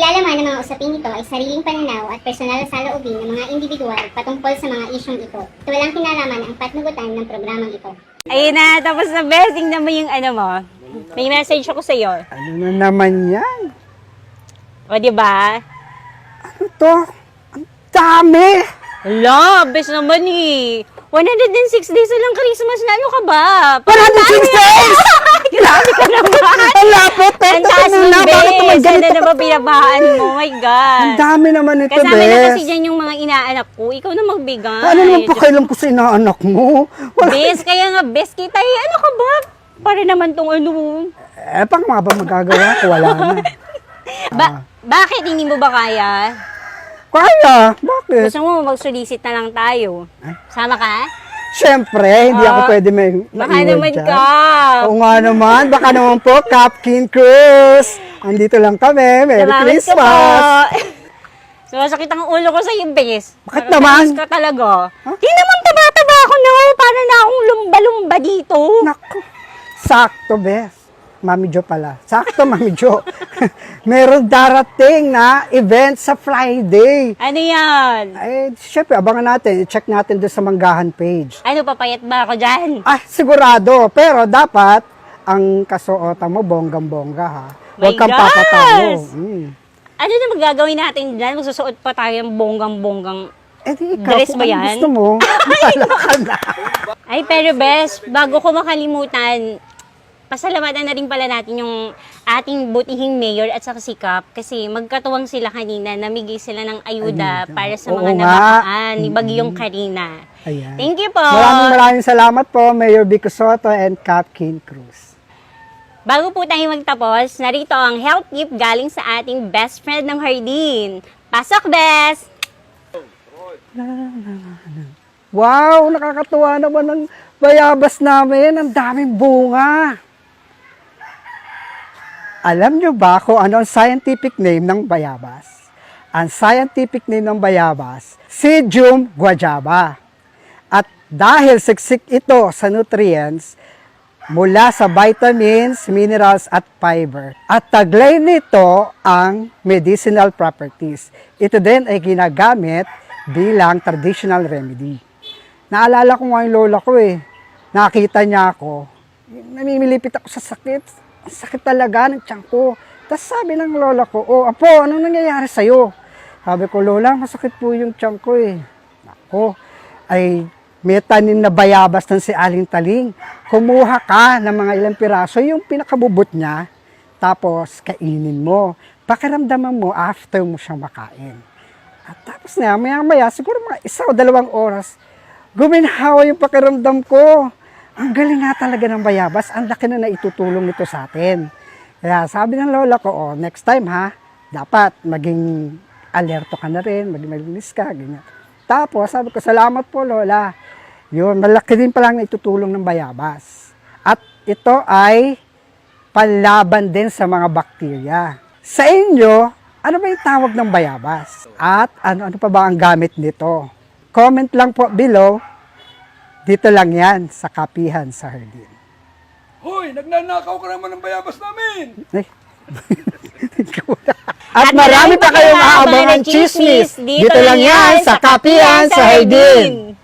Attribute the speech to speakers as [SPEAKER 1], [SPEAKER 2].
[SPEAKER 1] Naglalaman ng mga usaping ito ay sariling pananaw at personal na saloobin ng mga individual patungkol sa mga isyong ito. Ito walang kinalaman ang patnugutan ng programang ito.
[SPEAKER 2] Ayun na, tapos na besting naman yung ano mo. May message ako sa'yo.
[SPEAKER 3] Ano na naman yan?
[SPEAKER 2] O, diba?
[SPEAKER 3] Ano to? Ang dami!
[SPEAKER 2] Hala, best naman eh. 106 days na lang Christmas na, ano ka ba?
[SPEAKER 3] 106 days!
[SPEAKER 2] Grabe ka naman!
[SPEAKER 3] Ang lapot!
[SPEAKER 2] Ang taas ng bes! Ano na ba pinabahaan mo? Oh my God!
[SPEAKER 3] Ang dami naman ito,
[SPEAKER 2] Kasama na
[SPEAKER 3] Bes.
[SPEAKER 2] kasi dyan yung mga inaanak ko. Ikaw na magbigay.
[SPEAKER 3] Ano naman pakailan ko sa inaanak mo? Wala.
[SPEAKER 2] Bes, kaya nga bes kita eh. Ano ka ba? Para naman tong ano.
[SPEAKER 3] Pang mga ba magagawa ko? Wala na.
[SPEAKER 2] Bakit hindi mo ba kaya?
[SPEAKER 3] Kaya? Bakit?
[SPEAKER 2] Gusto mo mag-solicit na lang tayo? Sama ka?
[SPEAKER 3] Siyempre, hindi ako pwede
[SPEAKER 2] Baka
[SPEAKER 3] maiwan
[SPEAKER 2] naman
[SPEAKER 3] dyan.
[SPEAKER 2] ka.
[SPEAKER 3] Oo nga naman. Baka naman po, Captain Cruz. Andito lang kami. Merry
[SPEAKER 2] Salamat
[SPEAKER 3] Christmas.
[SPEAKER 2] ka po. Sumasakit ang ulo ko sa iyo, bes.
[SPEAKER 3] Bakit naman?
[SPEAKER 2] Ka talaga. Di naman taba-taba ako na. Para na akong lumba-lumba dito.
[SPEAKER 3] Naku. Sakto, Bes. Mami Jo pala. Sakto, Mami Jo. Meron darating na event sa Friday.
[SPEAKER 2] Ano yan?
[SPEAKER 3] Eh, syempre, abangan natin. I-check natin doon sa Manggahan page.
[SPEAKER 2] Ano, papayat ba ako dyan?
[SPEAKER 3] Sigurado. Pero dapat, ang kasuotan mo, bonggang-bongga, ha? Huwag
[SPEAKER 2] My
[SPEAKER 3] kang
[SPEAKER 2] gosh!
[SPEAKER 3] papatalo.
[SPEAKER 2] Ano na magagawin natin dyan? Magsusuot pa tayo ng bonggang-bonggang.
[SPEAKER 3] Eh, di ikaw,
[SPEAKER 2] Dress
[SPEAKER 3] kung
[SPEAKER 2] ba
[SPEAKER 3] ano
[SPEAKER 2] yan?
[SPEAKER 3] gusto mo, wala ka na.
[SPEAKER 2] Ay, pero bes, bago ko makalimutan, pasalamatan na rin pala natin yung ating butihing mayor at saka si Kap kasi magkatuwang sila kanina, namigay sila ng ayuda para sa mga
[SPEAKER 3] Oo nga.
[SPEAKER 2] nabahaan ni Bagyong Karina.
[SPEAKER 3] Ayan.
[SPEAKER 2] Thank you po.
[SPEAKER 3] Maraming salamat po, Mayor Vico Soto and Captain Cruz.
[SPEAKER 2] Bago po tayo magtapos, narito ang health tip galing sa ating best friend ng Hardin. Pasok, Bes!
[SPEAKER 3] Wow, nakakatuwa naman ang bayabas namin. Ang daming bunga. Alam nyo ba kung ano ang scientific name ng bayabas? Ang scientific name ng bayabas, Psydium guajaba. At dahil siksik ito sa nutrients, mula sa vitamins, minerals at fiber. At taglay nito ang medicinal properties. Ito din ay ginagamit bilang traditional remedy. Naalala ko nga yung lola ko eh. Nakita niya ako. Namimilipit ako sa sakit. Ang sakit talaga ng tiyan ko. Tapos sabi ng lola ko, "Oh, apo, anong nangyayari sa'yo?" Sabi ko, "Lola, masakit po yung tiyan ko eh." Ako, ay may tanim na bayabas ng si Aling Taling. Kumuha ka ng mga ilang piraso, yung pinakabubot niya, tapos kainin mo. Pakiramdaman mo after mo siyang makain. At tapos na, maya-maya, siguro mga 1 o 2 oras, guminhawa yung pakiramdam ko. Ang galing nga talaga ng bayabas, ang laki na naitutulong nito sa atin. Kaya sabi ng lola ko, "Oh, next time ha, dapat maging alerto ka na rin, maging malinis ka, ganyan." Tapos sabi ko, "Salamat po lola." Yun, malaki din palang naitutulong ng bayabas. At ito ay panlaban din sa mga bakterya. Sa inyo, ano ba yung tawag ng bayabas? At ano pa ba ang gamit nito? Comment lang po below. Dito lang yan sa Kapihan sa Hardin.
[SPEAKER 4] Hoy, nagnanakaw ka naman ng bayabas namin!
[SPEAKER 3] At marami pa kayong aabangan chismis. Dito lang yan sa Kapihan sa Hardin.